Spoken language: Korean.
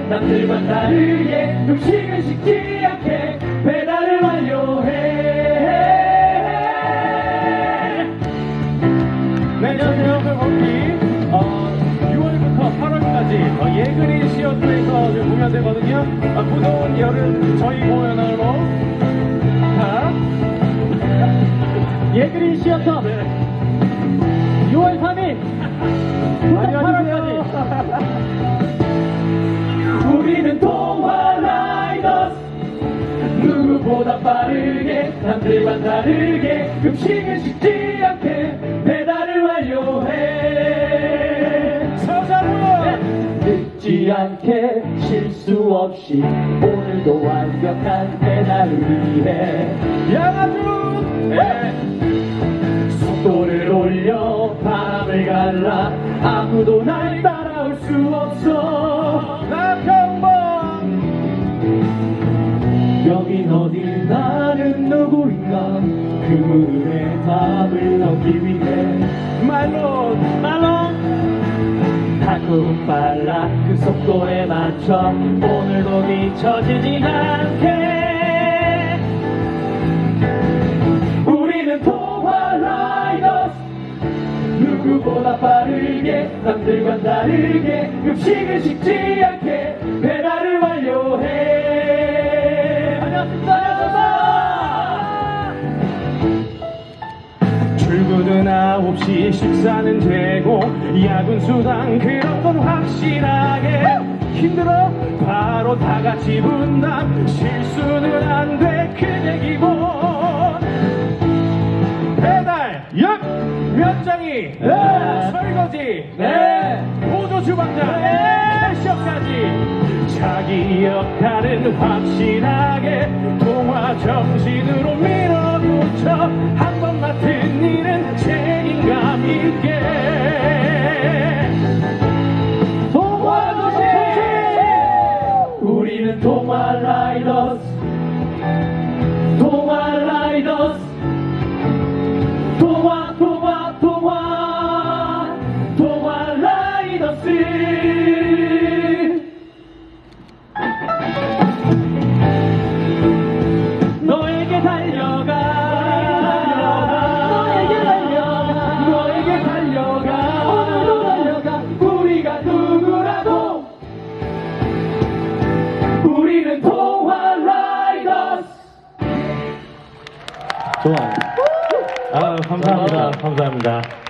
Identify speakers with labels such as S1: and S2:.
S1: 남들과 다르게 음식은 식지 않게 배달을 완료해.
S2: 네, 안녕하세요. 거기 6월부터 8월까지 예그린 시어터에서 지금 공연되거든요. 무더운 여름 저희 공연으로
S1: 예그린 시어터 6월 3일 부터 8월까지 우리는 동화 라이더스. 누구보다 빠르게 남들과 다르게 음식은 식지 않게 배달을 완료해.
S2: 서자고요.
S1: 늦지 않게 실수 없이 오늘도 완벽한 배달을 위해
S2: 양아주. 네.
S1: 속도를 올려 바람을 갈라 아무도 날 따라올 수 없어.
S2: 나평범.
S1: 여긴 어디 나는 누구인가 그 물음에 답을 얻기 위해
S2: 말론.
S1: 달콤 빨라 그 속도에 맞춰 오늘도 뒤처지지 않게 우리는 동화 라이더스. 누구보다 빠르게 남들과 다르게 음식을 식지 않게 배달을 완료해. 안녕하십니까.
S2: 출근은 9시, 식사는 되고 야근 수당 그런 건 확실하게. 힘들어? 바로 다 같이 분담. 실수는 안 돼, 그게 기본. 배달, 역, 면장이, 설거지, 보조 주방장, 캐셔까지. 자기 역할은 확실하게 동화 정신으로 밀어붙여 한 번 맡은 일은 책임감 있게.
S1: 동화 도시. 우리는 동화 라이더스. 동화 라이더스. 동화 라이더스. 너에게 달려가. 너에게 달려가. 오늘도 달려가. 우리가 누구라도 우리는 동화 라이더스.
S2: 좋아요. 감사합니다. 감사합니다.